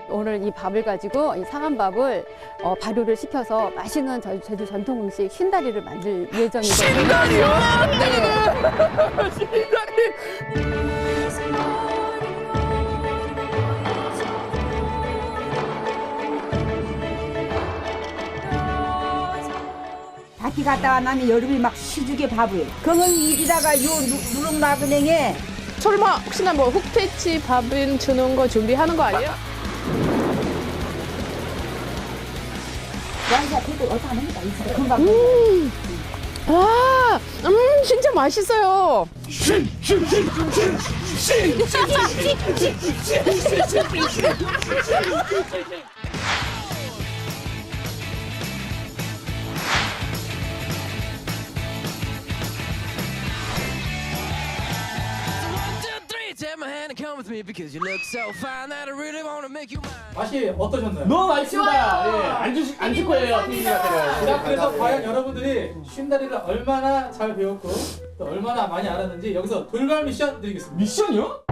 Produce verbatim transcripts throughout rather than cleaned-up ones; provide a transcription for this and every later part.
오늘 이 밥을 가지고 이 상한밥을 어, 발효를 시켜서 맛있는 저, 제주 전통 음식 신다리를 만들 예정이거든요. 신다리요? 네. 신다리. 밭이 갔다가 나면 여름에 막 시주게 밥을. 그러면 이리다가 요 누- 누룽나그냉에 설마 혹시나 뭐 흑돼지 밥은 주는 거 준비하는 거 아니에요? 완사 되고 어디 안 합니다. 이제 금방. 음, 아, 음, 진짜 맛있어요. 맛이 어떠셨나요? 너무 맛있습니다. 예, 안 주실 안 줄 거예요, 피디님한테는. 자, 그래서 과연 여러분들이 쉰다리를 얼마나 잘 배웠고 또 얼마나 많이 알았는지 여기서 돌발 미션 드리겠습니다. 미션이요?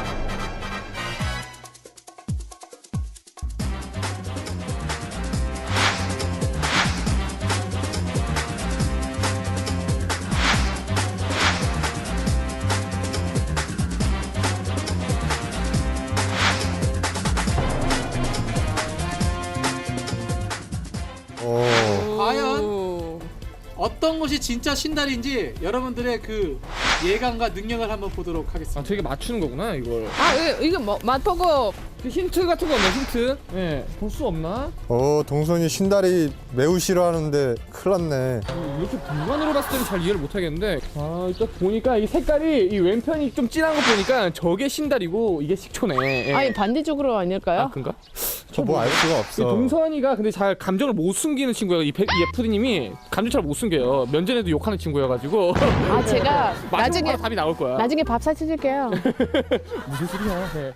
과연 어떤 것이 진짜 신다리인지 여러분들의 그 예감과 능력을 한번 보도록 하겠습니다. 아, 되게 맞추는 거구나, 이걸. 아, 이거, 이거 뭐, 맛보고 그 힌트 같은 거 없나, 힌트? 예, 볼 수 없나? 어, 동선이 신다리 매우 싫어하는데 큰일 났네. 이렇게 분간으로 봤을 때는 잘 이해를 못 하겠는데. 아, 딱 보니까 이 색깔이 이 왼편이 좀 진한 거 보니까 저게 신다리고 이게 식초네. 예. 아니 반대쪽으로 아닐까요? 아, 그런가? 저 뭐 알 수가 이 없어. 동선이가 근데 잘 감정을 못 숨기는 친구예요. 이, 백- 이 에프디님이 감정 잘 못 숨겨요. 면전에도 욕하는 친구여가지고. 아, 제가 마지막 나중에 답이 나올 거야. 나중에 밥 사드릴게요. 무슨 소리야? 네.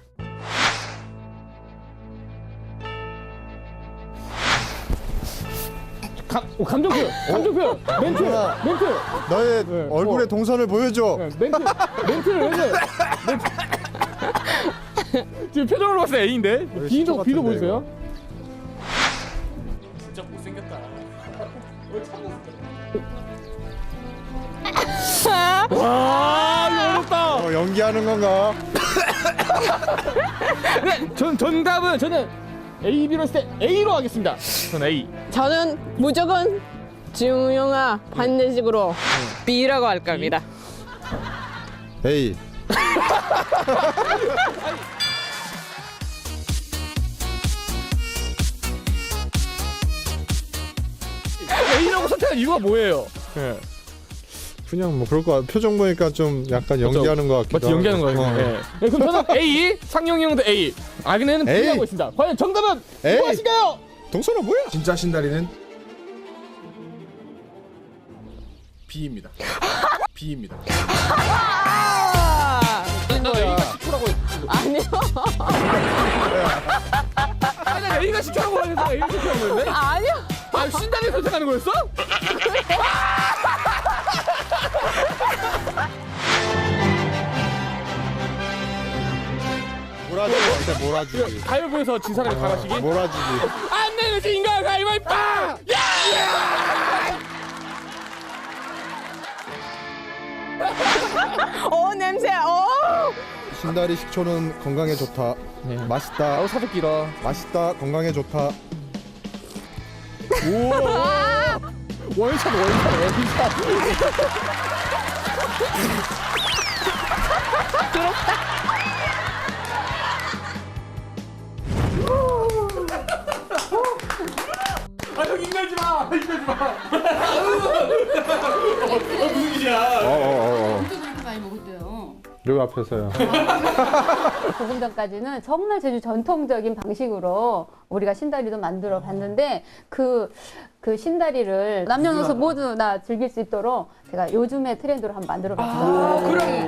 감, 오, 감정 표현! 감정 표현! 멘트! 동선아. 멘트! 너의 네. 얼굴의 어. 동선을 보여줘. 네, 멘트! 멘트를 왜 해? 멘트. 지금 표정으로 봤을 때 A인데? 왜 B도, 시초 B도 같은데, 보여주세요. 진짜 못생겼다. 와, 이거 어렵다! 어, 연기하는 건가? 네, 전, 정답은 저는 A, B로 했을 때 A로 하겠습니다. 저는 A. 저는 무조건 지웅영아 반대식으로 B라고 할 겁니다. 에이. A라고 선택한 이유가 뭐예요? 네. 그냥 뭐 그럴 거 같아. 표정 보니까 좀 약간 연기하는 것 같기도 맞지, 연기하는 하고. 거예요. 어. 네. 네, 그럼 저는 A, 상용이 형도 A. 아그네는 A. B하고 있습니다. 과연 정답은 A. 무엇인가요? 동선아 뭐야? 진짜 신다리는 B입니다. B입니다. 아, A가 식초라고 했 아니요. 아니, 나 A가 식초라고 하면서 A가 식초라고 했는데? 아니요. 아, 신다리 선택하는 거였어? 몰아주기 진짜 몰아주기. 가위바위보에서 진 사람이 다 가시기? 몰아주기. 안 내면 진가 가위바위보! 오, 냄새. 오. 신다리 식초는 건강에 좋다. 네. 맛있다. 아우, 사족 길어. 맛있다. 건강에 좋다. 우와! 원샷, 원샷, 원샷. 아, 형 인간지 마. 인간지 마. 어, 무슨 일이야? 어어어. 또 그렇게 많이 먹었대요. 여기 앞에서요. 조금 전까지는 정말 제주 전통적인 방식으로 우리가 신다리도 만들어 봤는데 그, 그 신다리를 남녀노소 모두 다 즐길 수 있도록 제가 요즘의 트렌드로 한번 만들어 봤어요. 아, 그럼.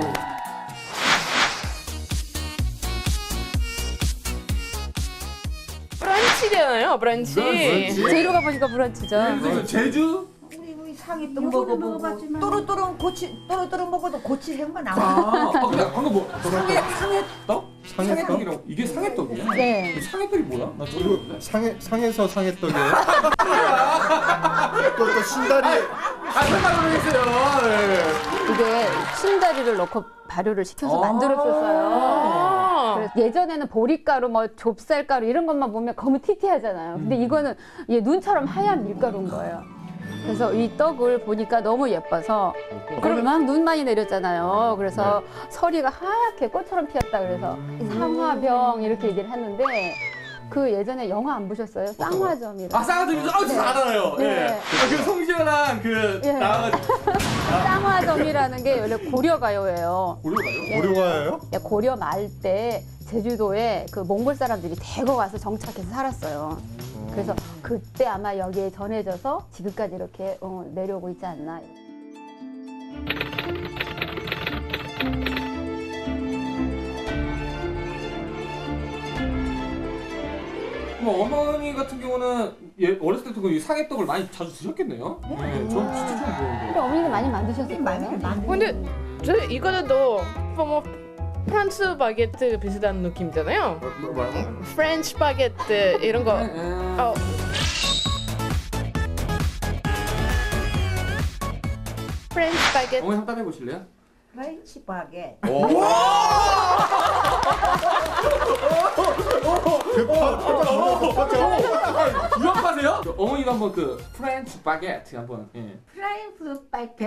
브런치잖아요, 브런치. 재료가 보니까 브런치죠. 제주? 우리 상했던 먹어보고 또르또르 고치 또르또르 먹어도 고치 생각 나. 아, 아 근데 방금 뭐? 상해 상했떡? 상해떡? 상해떡이라고 이게 상해떡이야? 네. 상해떡이 뭐야? 나 이거 상해 상해서 상해떡이에요. 또, 또 신다리. 아 설마 모르겠어요. 네. 이게 신다리를 넣고 발효를 시켜서 아. 만들었었어요. 아. 그래서 예전에는 보리가루, 뭐 좁쌀가루 이런 것만 보면 거무튀튀하잖아요. 근데 이거는 얘 눈처럼 하얀 밀가루인 거예요. 그래서 이 떡을 보니까 너무 예뻐서 그럼 막 눈 많이 내렸잖아요. 그래서 서리가 하얗게 꽃처럼 피었다 그래서 상화병 이렇게 얘기를 했는데 그 예전에 영화 안 보셨어요? 쌍화점이라고. 아 쌍화점이죠? 아 진짜 알아요. 네. 예. 아, 그 송시현랑 그 예. 나와가지고 쌍화점이라는 게 원래 고려가요예요. 고려가요? 고려가예요? 예, 고려 말 때 제주도에 그 몽골 사람들이 대거 와서 정착해서 살았어요. 그래서 그때 아마 여기에 전해져서 지금까지 이렇게 어, 내려오고 있지 않나. 그럼 어머니 같은 경우는 예, 어렸을 때부터 이 상해떡을 많이 자주 드셨겠네요? 네. 전 진짜 처음 보는데. 근데 어머니가 많이 만드셨을 거예요. 근데 저 이거는 또 뭐 프랑스 바게트 비슷한 느낌이잖아요. 뭐, 뭐라고? 프렌치 바게트 이런 거. 음. 어. 프렌치 바게트. 어머니 한번 해보실래요? 프렌치 바게. 유학하세요? 어머니도 한번 그 프렌치 바게트 한번. 예. 프렌치 바게.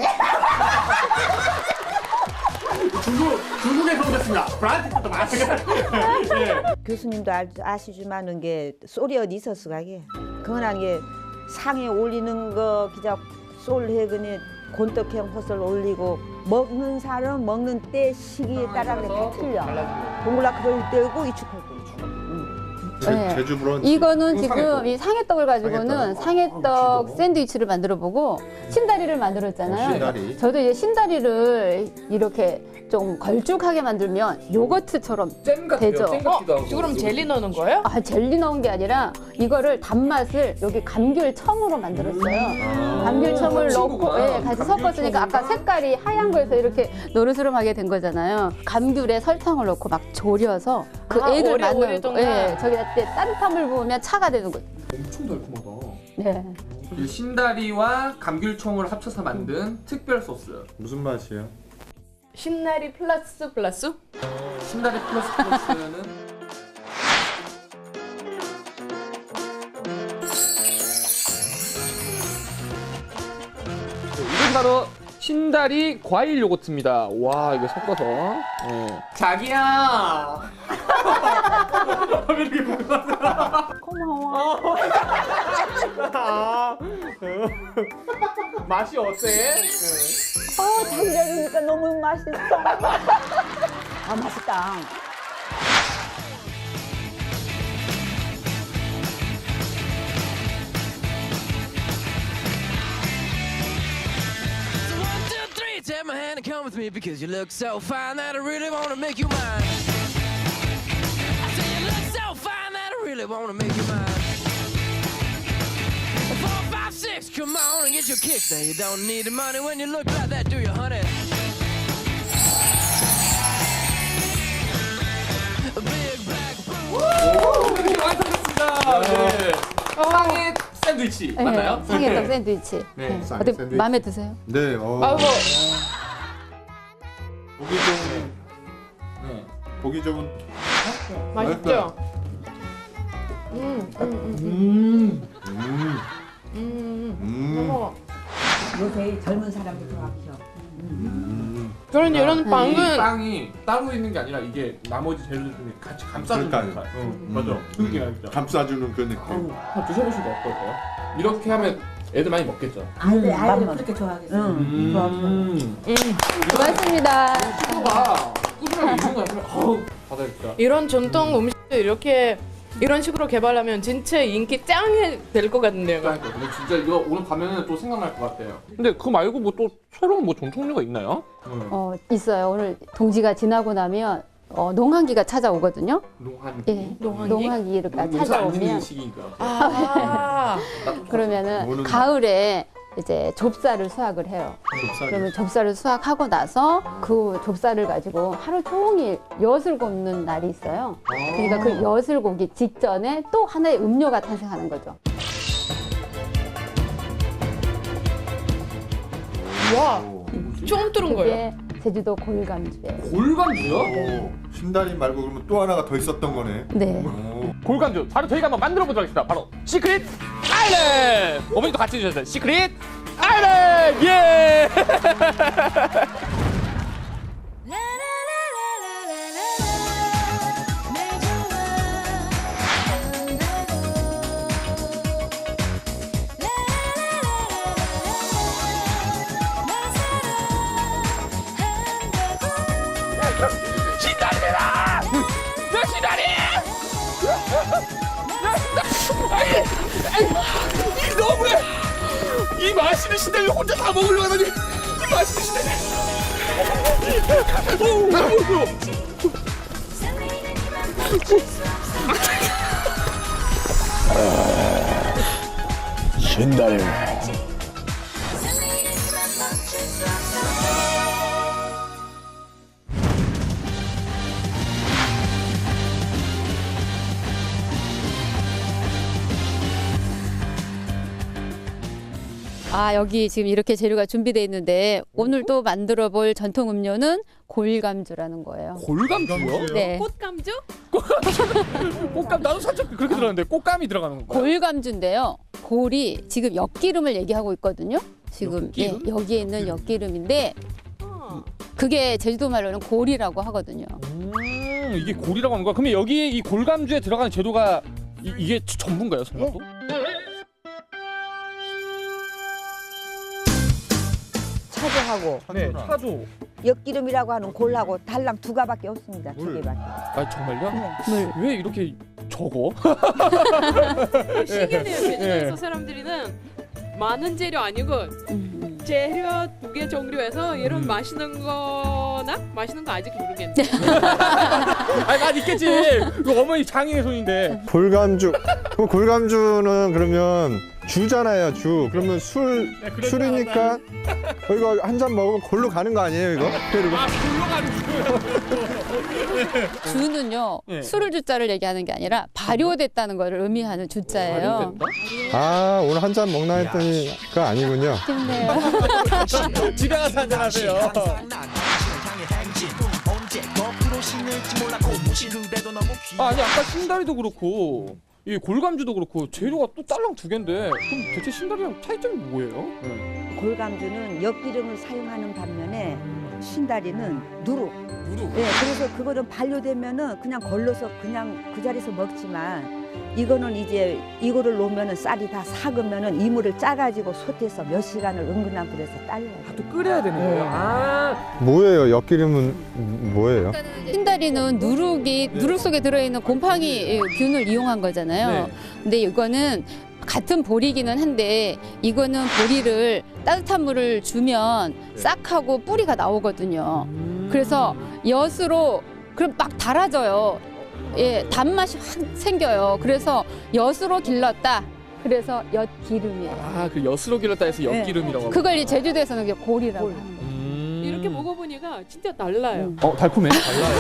중국 중국에서 오셨습니다. 프란티스도 마찬가지. 예. 교수님도 알, 아시지만은 게 쏠이 어디 있었어 가게. 그거는 게 상에 올리는 거 그냥 쏠해 그니 곤떡형 호설 올리고 먹는 사람 먹는 때 시기에 따라 그래 다 틀려. 동글라 그럴 때고 이축할 때. 제, 네. 제주 브런치. 이거는 이거 지금 상해떡. 이 상해떡을 가지고는 상해떡. 상해떡 샌드위치를 만들어 보고 신다리를 만들었잖아요. 신다리. 저도 이제 신다리를 이렇게 좀 걸쭉하게 만들면 요거트처럼 잼 같아요. 되죠. 잼 같기도 하고. 그럼 젤리 넣는 거예요? 아, 젤리 넣은 게 아니라 이거를 단맛을 여기 감귤청으로 만들었어요. 감귤청을 넣고 친구구나. 예, 같이 섞었으니까 아까 색깔이 하얀 거에서 이렇게 노르스름하게 된 거잖아요. 감귤에 설탕을 넣고 막 졸여서 그 아, 액을 오래, 만드는 거. 오래동안. 예, 저기다 때 따뜻함을 부으면 차가 되는 거죠. 엄청 달콤하다. 네. 이 신다리와 감귤청을 합쳐서 만든 특별 소스. 무슨 맛이에요? 신나리 플러스 플러스? 신다리 플러스 플러스는 이건 바로 신다리 과일 요거트입니다. 와 이거 섞어서. 예. 자기야. 왜 이렇게 부끄러워? 고마워. 맛이 어때? 어, 자기가 그러니까 너무 맛있어. 아, 맛있다. So one, two, three, take my hand and come with me because you look so fine that I really want to make you mine. I say you look so fine that I really want to make you mine. Four, five, six, come on and get your kicks. Now you don't need the money when you look like that, do you, honey? A big black boom. 이렇게 완성됐습니다. 네. 상해 샌드위치 네, 맞나요? 상해떡 샌드위치. 네, 네. 쌍 어때 샌드위치. 마음에 드세요? 네. 어, 아이고. 보기 좋은 네. 보기 좋은. 맛있죠? 음, 음, 음, 음. 음. 음. 음. 어머. 요새 젊은 사람들 좋아하죠. 그런 이런 이 빵은 빵이 따로 있는 게 아니라 이게 나머지 재료들 중에 같이 감싸주는 그러니까요. 듯한. 음. 맞아. 그 느낌 알죠? 감싸주는 그 느낌. 한번 드셔보시면 어떨까요? 이렇게 하면 애들 많이 먹겠죠? 아이들 아이들 그렇게 좋아하겠어. 응. 음. 고맙습니다. 친구가 꾸준하게 있는 거 같으면 어우 받아야겠다. 이런 전통 음식을 이렇게 이런 식으로 개발하면 진짜 인기 짱이 될 것 같은데요. 그러니까 근데 진짜 이거 오늘 가면은 또 생각날 것 같아요. 근데 그거 말고 뭐 또 새로운 뭐 전통류가 있나요? 어, 있어요. 오늘 동지가 지나고 나면 어, 농한기가 찾아오거든요. 농한기. 예. 농한기? 농한기가 농사 안 짓는 찾아오면 시기니까. 아, 그러면은 오는 가을에 이제 좁쌀을 수확을 해요. 그러면 좁쌀을 수확하고 나서 그 좁쌀을 가지고 하루 종일 엿을 굽는 날이 있어요. 그러니까 그 엿을 굽기 직전에 또 하나의 음료가 탄생하는 거죠. 와, 처음 들은 거예요. 그게 제주도 골감주예요. 골감주요? 오, 신다리 말고 그러면 또 하나가 더 있었던 거네. 네. 오. 골감주 바로 저희가 한번 만들어 보도록 하겠습니다. 바로 시크릿 아일랜드. 어머니도 같이 해주셨어요. 시크릿 아일랜드. 예. 신다리다. 내 신다리. 이 너무해! 이 맛있는 신다리를 혼자 다 먹으려고 하다니! 이 맛있는 신다리! 오, 오, 오. 신다리. 아, 여기 지금 이렇게 재료가 준비되어 있는데 오늘 또 만들어 볼 전통 음료는 골감주라는 거예요. 골감주요? 네. 꽃감주? 꽃감 나도 살짝 그렇게 들었는데 꽃감이 들어가는 건가요? 골감주인데요. 골이 지금 엿기름을 얘기하고 있거든요. 지금 예, 엿기름? 여기에 있는 엿기름인데 그게 제주도 말로는 골이라고 하거든요. 음, 이게 골이라고 하는 거야? 그러면 여기에 이 골감주에 들어가는 재료가 이, 이게 전부인가요, 설마 또? 차조하고 네, 차조. 엿기름이라고 하는 골하고 달랑 두 가밖에 없습니다. 두 물. 개밖에. 아 정말요? 물. 왜 이렇게 적어? 신기하네요. 제주도에서 네. 사람들이는 많은 재료 아니고 음. 재료 두 개 종류에서 이런 음. 맛있는 거나 맛있는 거 아직 모르겠는데. 아니 맛 있겠지. 그 어머니 장인의 손인데. 골감주. 그럼 골감주는 그러면 주잖아요, 주. 그러면 술 네, 그러지 술이니까 어, 이거 한 잔 먹으면 골로 가는 거 아니에요, 이거? 그리고 아 굴러가는 주는요. 네. 술을 주자를 얘기하는 게 아니라 발효됐다는 것을 의미하는 주자예요. 아 오늘 한 잔 먹나 했더니 그거 아니군요. 힘내요. 집에 가서 한잔 하세요. 아, 아니 아까 신다리도 그렇고 이 골감주도 그렇고 재료가 또 딸랑 두 개인데 그럼 대체 신다리랑 차이점이 뭐예요? 네. 골감주는 엿기름을 사용하는 반면에 신다리는 누룩. 누룩. 예, 그래서 그거는 반려되면은 그냥 걸러서 그냥 그 자리에서 먹지만 이거는 이제 이거를 놓으면은 쌀이 다 삭으면은 이물을 짜가지고 솥에서 몇 시간을 은근한 불에서 딸려요. 또 끓여야 되는 거예요. 네. 아, 뭐예요? 엿기름은 뭐예요? 흰다리는 누룩이 누룩 속에 들어있는 곰팡이 균을 이용한 거잖아요. 네. 근데 이거는 같은 보리기는 한데 이거는 보리를 따뜻한 물을 주면 싹하고 뿌리가 나오거든요. 그래서 엿으로 그럼 막 달아져요. 예, 단맛이 확 생겨요. 그래서 엿으로 길렀다. 그래서 엿기름이에요. 아, 그 엿으로 길렀다 해서 엿기름이라고. 하고. 그걸 이 제주도에서는 이제 골이라고 하는 거예요. 음. 이렇게 먹어보니까 진짜 달라요. 어, 달콤해. 달라요.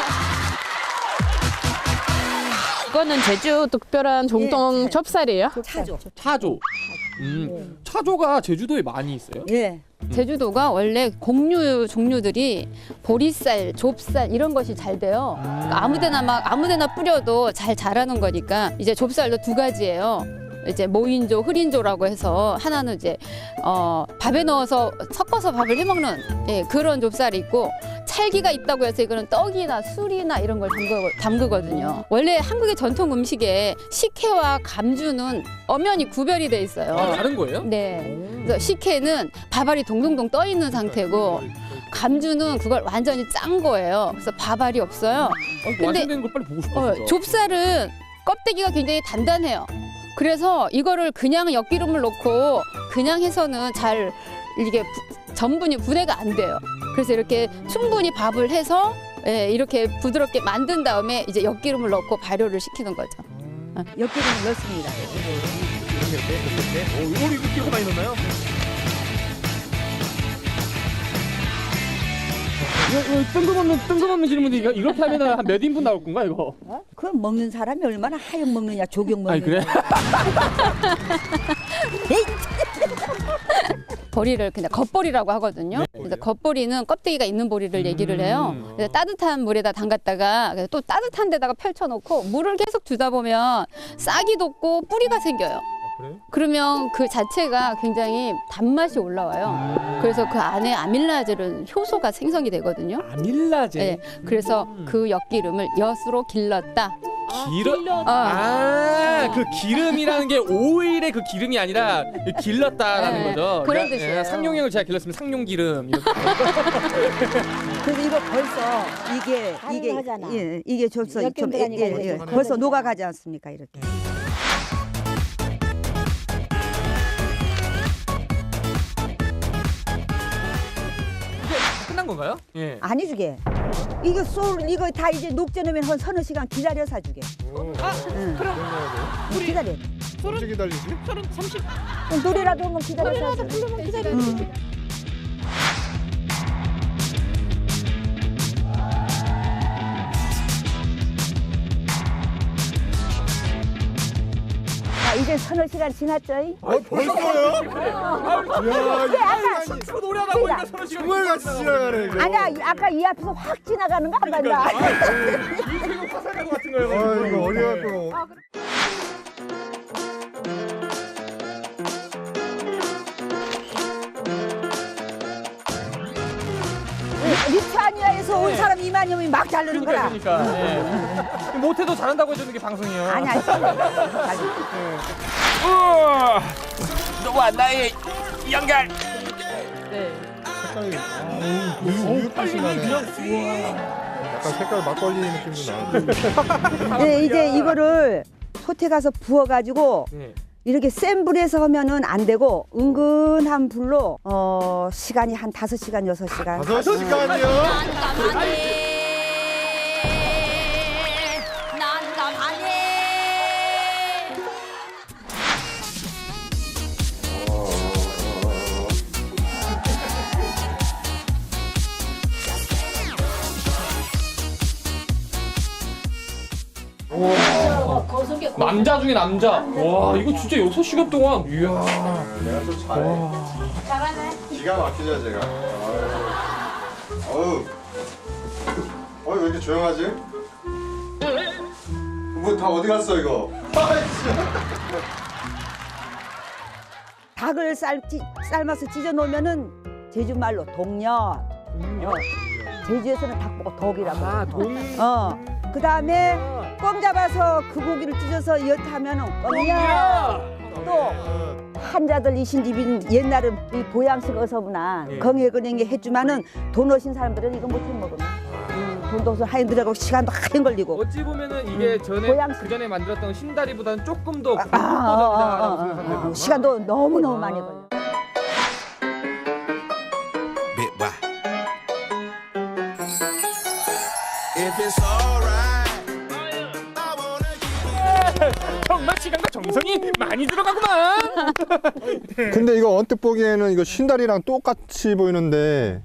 이거는 제주 특별한 정통 예. 좁쌀이에요. 차조. 차조. 음. 차조가 제주도에 많이 있어요? 예. 제주도가 원래 곡류 종류들이 보리쌀, 좁쌀 이런 것이 잘 돼요. 그러니까 아무데나 막 아무데나 뿌려도 잘 자라는 거니까 이제 좁쌀도 두 가지예요. 이제 모인조, 흐린조라고 해서 하나는 이제 어, 밥에 넣어서 섞어서 밥을 해 먹는 예, 그런 좁쌀이 있고 찰기가 있다고 해서 이거는 떡이나 술이나 이런 걸 담그, 담그거든요. 원래 한국의 전통 음식에 식혜와 감주는 엄연히 구별이 돼 있어요. 아, 다른 거예요? 네. 그래서 식혜는 밥알이 동동동 떠 있는 상태고 감주는 그걸 완전히 짠 거예요. 그래서 밥알이 없어요. 아, 근데- 완성된 걸 빨리 보고 싶어. 어, 진짜. 좁쌀은 껍데기가 굉장히 단단해요. 그래서 이거를 그냥 엿기름을 넣고 그냥 해서는 잘 이게 부- 전분이 분해가 안 돼요. 그래서 이렇게 충분히 밥을 해서 예, 이렇게 부드럽게 만든 다음에 이제 엿기름을 넣고 발효를 시키는 거죠. 엿기름을 넣습니다. 어, 이거 이렇게 많이 넣나요? 이거, 이거 뜬금없는 뜬금없는 질문인데 이거 이렇게 하면은 한 몇 인분 나올 건가 이거? 어? 그 먹는 사람이 얼마나 하영 먹느냐 조경 먹느냐. 아니 그래? 보리를 그냥 겉보리라고 하거든요. 네. 그래서 겉보리는 껍데기가 있는 보리를 얘기를 해요. 음. 그래서 따뜻한 물에다 담갔다가 그래서 또 따뜻한 데다가 펼쳐놓고 물을 계속 주다 보면 싹이 돋고 뿌리가 생겨요. 그래요? 그러면 그 자체가 굉장히 단맛이 올라와요. 그래서 그 안에 아밀라제는 효소가 생성이 되거든요. 아밀라제. 네, 그래서 그 엿기름을 엿으로 길렀다. 기름. 어. 아, 그 기름이라는 게 오일의 그 기름이 아니라 길렀다라는 네, 거죠. 그런 그러니까, 뜻이에요. 예, 상용형을 제가 길렀으면 상용기름. 이렇게. 그래서 이거 벌써 이게 이게 가능하잖아. 예, 이게 벌써 몇 좀 개 예, 들어가니까 예, 예. 이렇게. 벌써 녹아가지 않습니까 이렇게. 끝난 건가요? 예. 아니 주게. 이거 쏠 이거 다 이제 녹여놓으면 한 서너 시간 기다려서 주게. 아, 응. 그럼 우리 기다려. 언제 기다리지? 서른 삼십. 그럼 노래라도 한번 기다려서. 한번 기다려. 응. 자, 이제 서너 시간 지났죠? 아 벌써요? 이야 이게 아까 저 노래하다 보니까 서로 지금 정말 같이 지나가네 이거. 아니야 이- 아까 이 앞에서 확 지나가는 거 안 봤나? 인생은 화살가고 같은 거예요. 아 이거 어려갖고. 리투아니아에서 온 사람 이만여 명이 막 자르는 거라. 그러니까. 그러니까. 예. 못해도 잘한다고 해주는 게 방송이에요. 아니 아니. 우와, 너와 나의 연결. 네. 색깔이 아, 우유 우유빛이 나네. 약간 색깔 막걸리 느낌도 나는데. 네, 이제 이거를 솥에 가서 부어가지고 네. 이렇게 센 불에서 하면은 안 되고 은근한 불로 어 시간이 한 다섯 시간 여섯 시간. 다섯 시간이요? 남자 중에 남자. 와, 이거 진짜 여섯 시간 동안. 이야. 내가 또 잘해. 기가 막히죠 제가. 어우. 어이 왜 이렇게 조용하지? 뭐 다 어디 갔어 이거? 닭을 쌀, 찌, 삶아서 찢어 놓으면은 제주 말로 동력. 어. 제주에서는 닭 보고 덕이라고. 아, 동. 어. 그 다음에 껌 잡아서 그 고기를 찢어서 엿하면은 껌이야. 야. 또 한자들 이신 집인 옛날은 이 보양식 어서구나 예. 건강에 해주면은 돈 오신 사람들은 이거 못해 먹으면 음, 돈도 없어 하인 들어가고 시간도 하인 걸리고. 어찌 보면은 이게 전에 보양식. 그 전에 만들었던 신다리보다는 조금 더 아, 고급 아, 버전이다라고 아, 아, 생각합니다. 아. 시간도 너무 너무 아. 많이 걸려. Bit by. If it's alright, I wanna 정말 시간과 정성이 많이 들어가구만. 근데 이거 언뜻 보기에는 이거 신다리랑 똑같이 보이는데.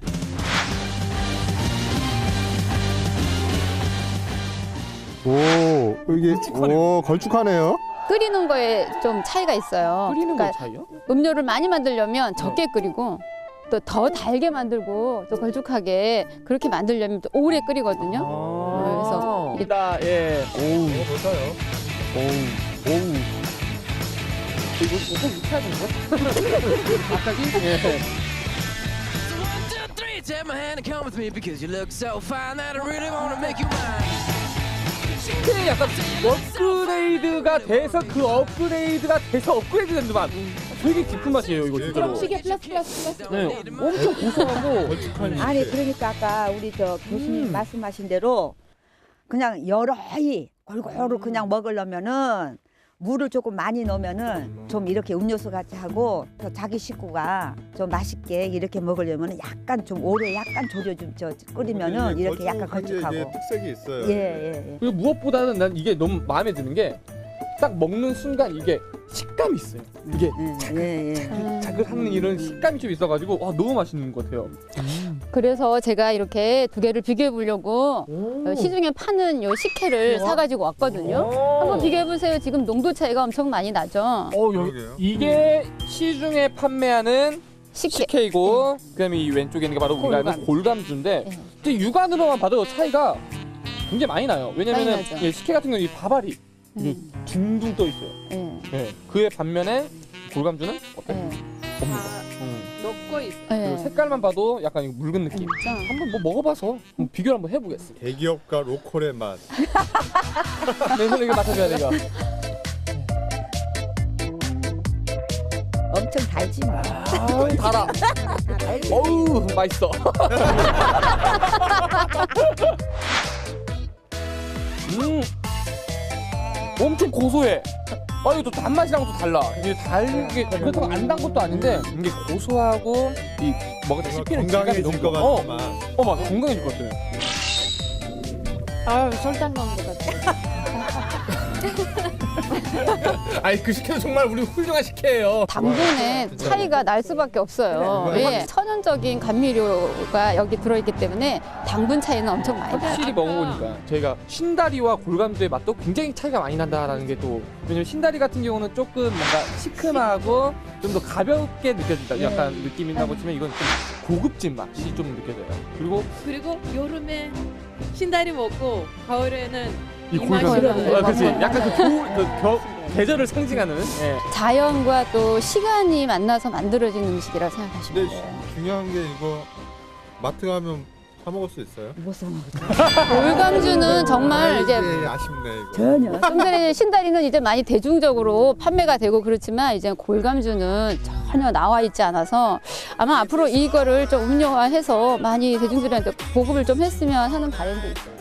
오 이게 오 걸쭉하네요. 끓이는 거에 좀 차이가 있어요. 끓이는 거 그러니까 차이요? 음료를 많이 만들려면 적게 끓이고 또 더 달게 만들고 또 걸쭉하게 그렇게 만들려면 또 오래 끓이거든요. 그래서 이게 다 예. 오우. 볼까요? 오우. 오우. 이거 이거 이렇게 해야 되는데? 갑자기? 예. So one, two, three, take my hand and come with me because you look so fine that I really wanna make you mine. 신체에 약간 업그레이드가 돼서 그 업그레이드가 돼서 업그레이드 된 맛. 되게 깊은 맛이에요 이거 진짜로. 시계 플러스 플러스 플러스. 네, 엄청 고소하고 걸쭉한. 아니 그러니까 아까 우리 저 교수님 음. 말씀하신 대로 그냥 여러이 골고루 그냥 먹으려면은 물을 조금 많이 넣으면은 좀 이렇게 음료수 같이 하고 또 자기 식구가 좀 맛있게 이렇게 먹으려면은 약간 좀 오래 약간 졸여 좀저 끓이면은 이렇게 약간 걸쭉하고. 특색이 있어요. 예 예, 예. 그리고 무엇보다는 난 이게 너무 마음에 드는 게 딱 먹는 순간 이게 식감이 있어요. 이게 예, 예. 자글하는 이런 식감이 좀 있어가지고 와 너무 맛있는 것 같아요. 그래서 제가 이렇게 두 개를 비교해 보려고 어, 시중에 파는 요 식혜를 사가지고 왔거든요. 한번 비교해 보세요. 지금 농도 차이가 엄청 많이 나죠. 어 여기 그러게요. 이게 시중에 판매하는 식혜. 식혜이고 그다음에 이 왼쪽에 있는 게 바로 우리가 아는 골감주인데 네. 근데 육안으로만 봐도 차이가 굉장히 많이 나요. 왜냐면은 많이 나죠. 예, 식혜 같은 경우 이 밥알이 이게 음. 둥둥 떠 있어요. 예. 예. 그의 반면에 골감주는 어때요? 예. 없는 거. 음. 녹고 있어. 그리고 예. 색깔만 봐도 약간 이거 묽은 느낌. 진짜. 한번 뭐 먹어봐서 한번 비교를 한번 해보겠습니다. 대기업과 로컬의 맛. 내 손에 이거 맡아줘야 돼요. 엄청 달지 뭐. 아, 달아. 어우, 맛있어. 음, 엄청 고소해. 아, 이거 또 단맛이랑 또 달라. 이게 달게 그렇다고 안 단 것도 아닌데 이게 고소하고 이 먹을 때 씹히는 질감이 건강해질 너무 것 좋아. 같은 맛. 어, 어, 맞아. 건강해질 것 같아. 아, 설탕 넣은 것 같아. 아니 그 식혜도 정말 우리 훌륭한 식혜예요. 당분의 차이가 날 수밖에 없어요. 예. 천연적인 감미료가 여기 들어있기 때문에 당분 차이는 엄청 많이 나요. 확실히 먹어보니까 저희가 신다리와 골감주의 맛도 굉장히 차이가 많이 난다라는 게 또 왜냐면 신다리 같은 경우는 조금 뭔가 시큼하고 좀 더 가볍게 느껴진다 약간 느낌이 나고 치면 이건 좀 고급진 맛이 좀 느껴져요. 그리고 그리고 여름에 신다리 먹고 가을에는 이 이 골감주 맛이라는 아, 그치 맞아요. 약간 그, 겨울, 그 겨, 계절을 상징하는 예. 자연과 또 시간이 만나서 만들어진 음식이라 생각하시면 근데 돼요. 중요한 게 이거 마트 가면 사 먹을 수 있어요? 골감주는 정말 이제 네, 아쉽네 이거. 전혀. 좀 전에 신다리는 이제 많이 대중적으로 판매가 되고 그렇지만 이제 골감주는 전혀 나와 있지 않아서 아마 앞으로 이거를 좀 음료화해서 많이 대중들한테 보급을 좀 했으면 하는 바람도 있어요.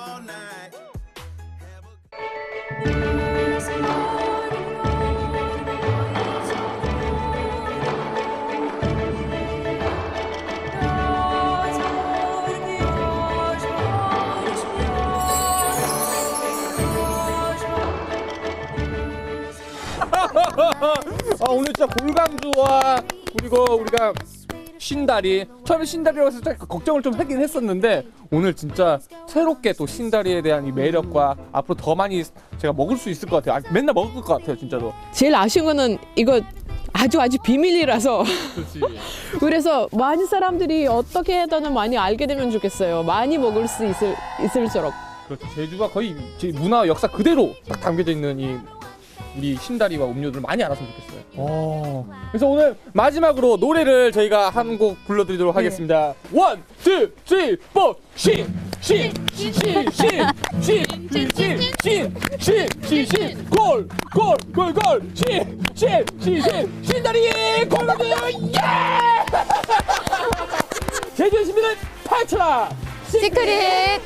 아 오늘 진짜 골감주와 그리고 우리가 신다리 처음에 신다리라고 해서 살짝 걱정을 좀 하긴 했었는데 오늘 진짜 새롭게 또 신다리에 대한 이 매력과 앞으로 더 많이 제가 먹을 수 있을 것 같아요. 아, 맨날 먹을 것 같아요 진짜로. 제일 아쉬운 거는 이거 아주 아주 비밀이라서 그렇지. 그래서 많은 사람들이 어떻게 해서든 많이 알게 되면 좋겠어요. 많이 먹을 수 있을 있을수록. 그렇죠. 제주가 거의 제 문화 역사 그대로 딱 담겨져 있는 이 우리 신다리와 음료들을 많이 알았으면 좋겠어요. 오. 그래서 오늘 마지막으로 노래를 저희가 한 곡 불러드리도록 하겠습니다. 원, 투, 쓰리, 포, 신, 신, 신, 신, 신, 신, 신, 신, 신, 신, 골, 골, 골, 골, 신, 신, 신, 신, 신다리 골드 예! 제주의 신비를 파헤쳐라. 시크릿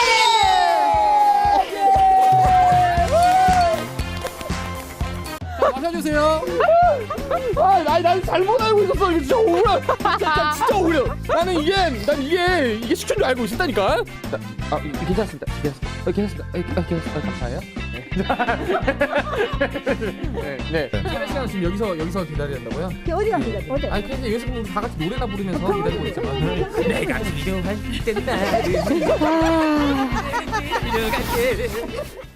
마셔주세요. 아, 나, 난 잘못 알고 있었어. 이거 진짜 억울해. 진짜, 진짜 억울해. 나는 이게, 난 이게, 이게 식초인 줄 알고 있었다니까. 나, 아, 괜찮습니다. 괜찮습니다. 어, 괜찮습니다. 아, 괜찮습니다. 아, 감사해요. 네. 네. 네. 촬영 시간 지금 여기서, 여기서 기다려야 한다고요? 어디 갑니다. 어디? 아니, 근데 여기서 우리 다 같이 노래나 부르면서 기다리고 있잖아. 내가 필요할 때 나를 필요할게.